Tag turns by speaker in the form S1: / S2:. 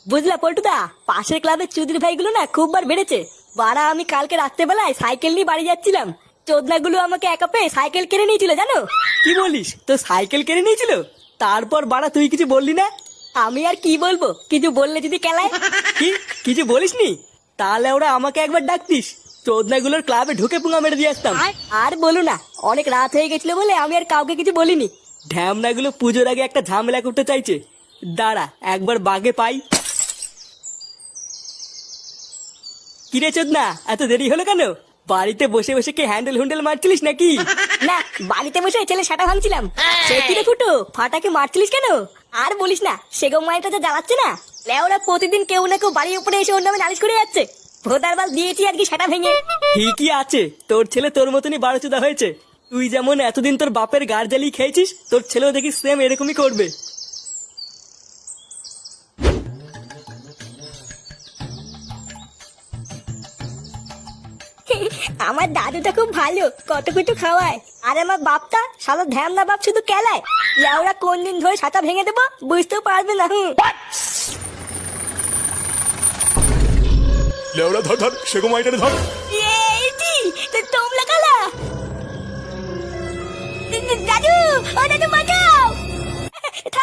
S1: বুঝলা পল্টুদা, পাশের ক্লাবের চুদির ভাইগুলো না খুব বার বেড়েছে। বাড়া আমি কালকে রাত্রেবেলায় সাইকেল নিয়ে বাড়ি যাচ্ছিলাম, চোদনাগুলো আমাকে একা পেয়ে সাইকেল কেড়ে নিয়েছিল জানো।
S2: কি বলিস, তো সাইকেল কেড়ে নিয়েছিল? তারপর বাড়া তুই কিছু বললি না?
S1: আমি আর কি বলবো, কিছু বললে যদি কেলায়।
S2: কি কিছু বলিসনি? তাহলে ওরা আমাকে একবার ডাকতিস, চোদনাগুলোর ক্লাবে ঢুকে পুঙ্গা মেরে দিয়ে আসতাম।
S1: আর বলো না, অনেক রাত হয়ে গেছিল বলে আমি আর কাউকে কিছু বলিনি।
S2: ঢ্যামনাগুলো পুজোর আগে একটা ঝামেলা করতে চাইছে। দাঁড়া একবার বাগে পাই। কিরে চোদনা, এত দেরি হলো কেন? বাড়িতে বসে বসে কি হ্যান্ডেল হুন্ডেল মারছিলিস নাকি?
S1: না, বাড়িতে বসে ছেলে সাটা ভাঙছিলাম। সে কি রে ফুটো, ফাটাকে মারছিলিস কেন? আর বলিস না, সেগম মাইটা যা জ্বালাচ্ছে না, লেওরা প্রতিদিন কেউ না কেউ বাড়ির উপরে এসে ওর নামে নালিশ করে যাচ্ছে। ভোদার বাল দিয়েছি আর কি সাটা ভেঙে।
S2: ঠিকই আছে, তোর ছেলে তোর মতনই বারোচোদা হয়েছে। তুই যেমন এতদিন তোর বাপের গাড় জ্বালিয়ে খেয়েছিস, তোর ছেলেও দেখি সেম এরকমই করবে।
S1: আমার দাদুটা খুব ভালো, কত কিছু খাওয়ায়। আর আমার বাপটা সারা ধ্যামনা বাপ শুধু কেলায়। লেওরা কোন দিন ধরে সাটা ভেঙে দেবো বুঝতেও পারবে না।
S3: লেওড়া ধর ধর, সেগো মাইটারে ধর।
S1: এইটি তোমরা কালা। দাদু, ও দাদু বাঁচাও।